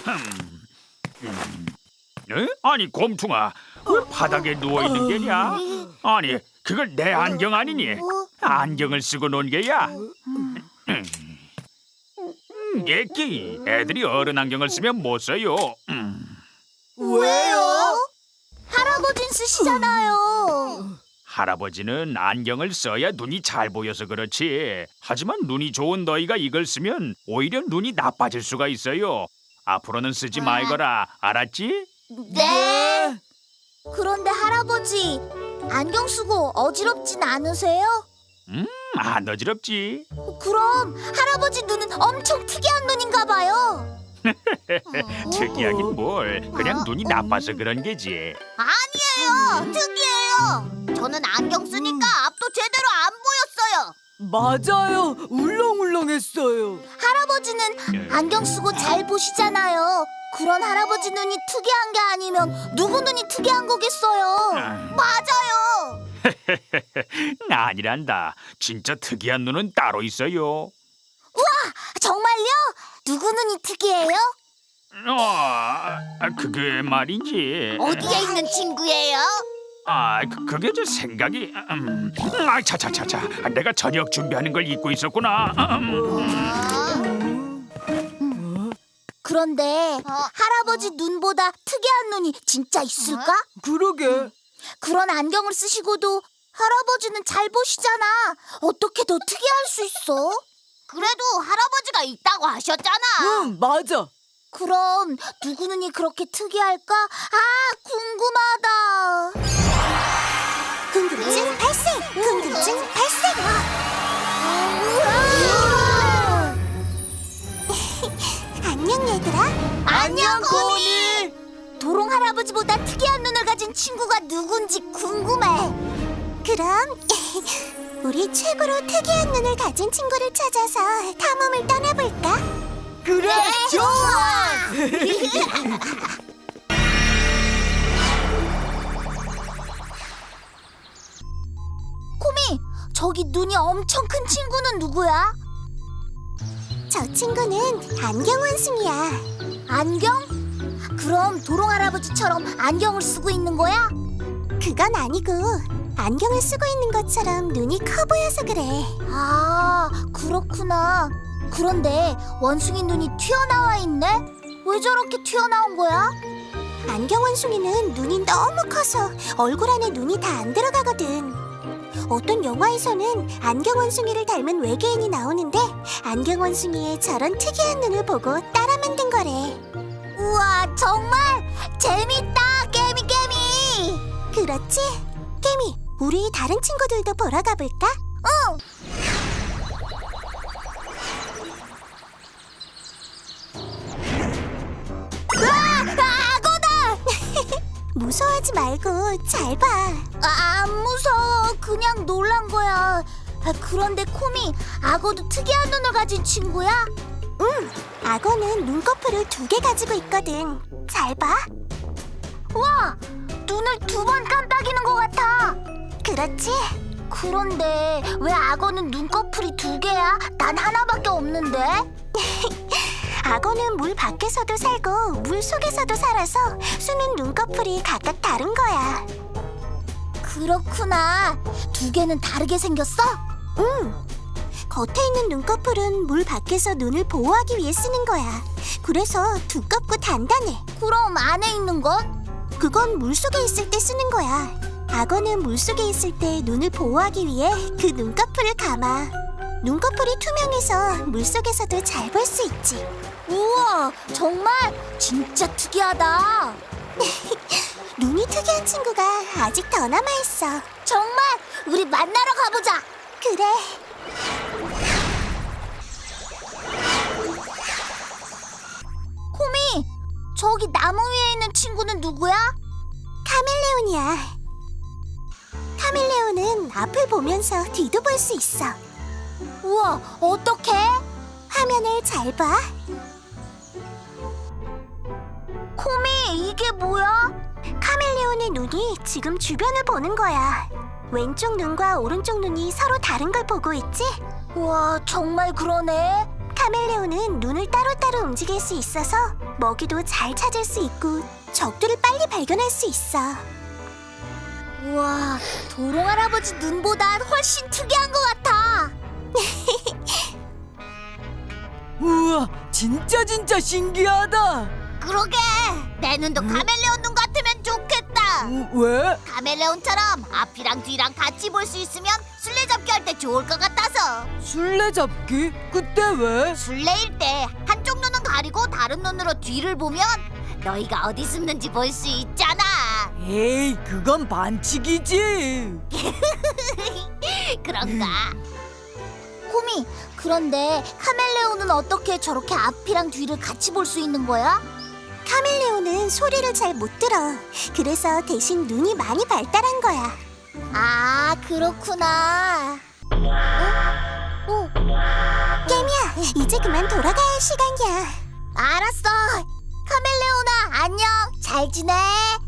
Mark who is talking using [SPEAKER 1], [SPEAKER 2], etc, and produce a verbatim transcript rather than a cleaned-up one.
[SPEAKER 1] 음. 음. 에? 아니 곰퉁아, 왜 바닥에 누워 있는 게냐? 아니 그걸 내 안경 아니니? 안경을 쓰고 논 게야. 음. 예끼, 애들이 어른 안경을 쓰면 못 써요. 음.
[SPEAKER 2] 왜요? 할아버진 쓰시잖아요.
[SPEAKER 1] 할아버지는 안경을 써야 눈이 잘 보여서 그렇지. 하지만 눈이 좋은 너희가 이걸 쓰면 오히려 눈이 나빠질 수가 있어요. 앞으로는 쓰지 말거라, 알았지?
[SPEAKER 2] 네. 그런데 할아버지, 안경 쓰고 어지럽진 않으세요?
[SPEAKER 1] 음, 안 어지럽지.
[SPEAKER 2] 그럼 할아버지 눈은 엄청 특이한 눈인가 봐요.
[SPEAKER 1] 특이하긴 뭘, 그냥 눈이 나빠서 그런 게지.
[SPEAKER 2] 아니에요, 특이해요. 저는 안경 쓰니까 앞도 제대로 안 보였어요.
[SPEAKER 3] 맞아요. 울렁울렁했어요.
[SPEAKER 2] 할아버지는 안경 쓰고 잘 보시잖아요. 그런 할아버지 눈이 특이한 게 아니면 누구 눈이 특이한 거겠어요? 맞아요.
[SPEAKER 1] 아니란다. 진짜 특이한 눈은 따로 있어요.
[SPEAKER 2] 정말요? 누구 눈이 특이해요?
[SPEAKER 1] 어, 그게 말이지.
[SPEAKER 2] 어디에 있는 친구예요?
[SPEAKER 1] 아, 그, 그게 저 생각이. 음, 아, 차차차차. 내가 저녁 준비하는 걸 잊고 있었구나. 음.
[SPEAKER 2] 그런데 할아버지 눈보다 특이한 눈이 진짜 있을까?
[SPEAKER 3] 그러게.
[SPEAKER 2] 그런 안경을 쓰시고도 할아버지는 잘 보시잖아. 어떻게 더 특이할 수 있어? 그래도 할아버지가 있다고 하셨잖아.
[SPEAKER 3] 응, 맞아.
[SPEAKER 2] 그럼 누구 눈이 그렇게 특이할까? 아, 궁금하다. 궁금증 발생! 궁금증 발생! 우와! 안녕 얘들아. 안녕 고미. 도롱 할아버지보다 특이한 눈을 가진 친구가 누군지 궁금해. 그럼 우리 최고로 특이한 눈을 가진 친구를 찾아서 탐험을 떠나볼까?
[SPEAKER 3] 그래,
[SPEAKER 2] 좋아! 코미, 저기 눈이 엄청 큰 친구는 누구야? 저 친구는 안경 원숭이야. 안경? 그럼 도롱 할아버지처럼 안경을 쓰고 있는 거야? 그건 아니고 안경을 쓰고 있는 것처럼 눈이 커 보여서 그래. 아, 그렇구나. 그런데 원숭이 눈이 튀어나와 있네? 왜 저렇게 튀어나온 거야? 안경 원숭이는 눈이 너무 커서 얼굴 안에 눈이 다 안 들어가거든. 어떤 영화에서는 안경 원숭이를 닮은 외계인이 나오는데 안경 원숭이의 저런 특이한 눈을 보고 따라 만든 거래. 우와, 정말 재밌다, 깨미 깨미. 그렇지? 깨미, 우리 다른 친구들도 보러 가볼까? 응. 무서워하지 말고 잘 봐. 아, 안 무서워. 그냥 놀란 거야. 아, 그런데 코미, 악어도 특이한 눈을 가진 친구야? 응, 악어는 눈꺼풀을 두 개 가지고 있거든. 잘 봐. 와, 눈을 두 번 깜빡이는 것 같아. 그렇지? 그런데 왜 악어는 눈꺼풀이 두 개야? 난 하나밖에 없는데. 악어는 물 밖에서도 살고 물 속에서도 살아서 수는 눈꺼풀이 각각 다른 거야. 그렇구나. 두 개는 다르게 생겼어? 응. 겉에 있는 눈꺼풀은 물 밖에서 눈을 보호하기 위해 쓰는 거야. 그래서 두껍고 단단해. 그럼 안에 있는 건? 그건 물 속에 있을 때 쓰는 거야. 악어는 물 속에 있을 때 눈을 보호하기 위해 그 눈꺼풀을 감아. 눈꺼풀이 투명해서 물속에서도 잘 볼 수 있지. 우와, 정말 진짜 특이하다. 눈이 특이한 친구가 아직 더 남아있어. 정말? 우리 만나러 가보자. 그래. 코미, 저기 나무 위에 있는 친구는 누구야? 카멜레온이야. 카멜레온은 앞을 보면서 뒤도 볼 수 있어. 우와, 어떡해? 화면을 잘 봐. 코미, 이게 뭐야? 카멜레온의 눈이 지금 주변을 보는 거야. 왼쪽 눈과 오른쪽 눈이 서로 다른 걸 보고 있지? 우와, 정말 그러네. 카멜레온은 눈을 따로따로 움직일 수 있어서 먹이도 잘 찾을 수 있고 적들을 빨리 발견할 수 있어. 우와, 도롱 할아버지 눈보다 훨씬 특이한 것 같아.
[SPEAKER 3] 우와, 진짜 진짜 신기하다.
[SPEAKER 2] 그러게, 내 눈도 카멜레온 눈 같으면 좋겠다.
[SPEAKER 3] 음, 왜?
[SPEAKER 2] 카멜레온처럼 앞이랑 뒤랑 같이 볼 수 있으면 술래잡기 할 때 좋을 것 같아서.
[SPEAKER 3] 술래잡기? 그때 왜?
[SPEAKER 2] 술래일 때 한쪽 눈은 가리고 다른 눈으로 뒤를 보면 너희가 어디 숨는지 볼 수 있잖아.
[SPEAKER 3] 에이, 그건 반칙이지.
[SPEAKER 2] 그런가? 호미, 그런데 카멜레온은 어떻게 저렇게 앞이랑 뒤를 같이 볼 수 있는 거야? 카멜레온은 소리를 잘 못 들어. 그래서 대신 눈이 많이 발달한 거야. 아, 그렇구나. 어? 어? 깨미야, 이제 그만 돌아가야 할 시간이야. 알았어. 카멜레온아, 안녕. 잘 지내.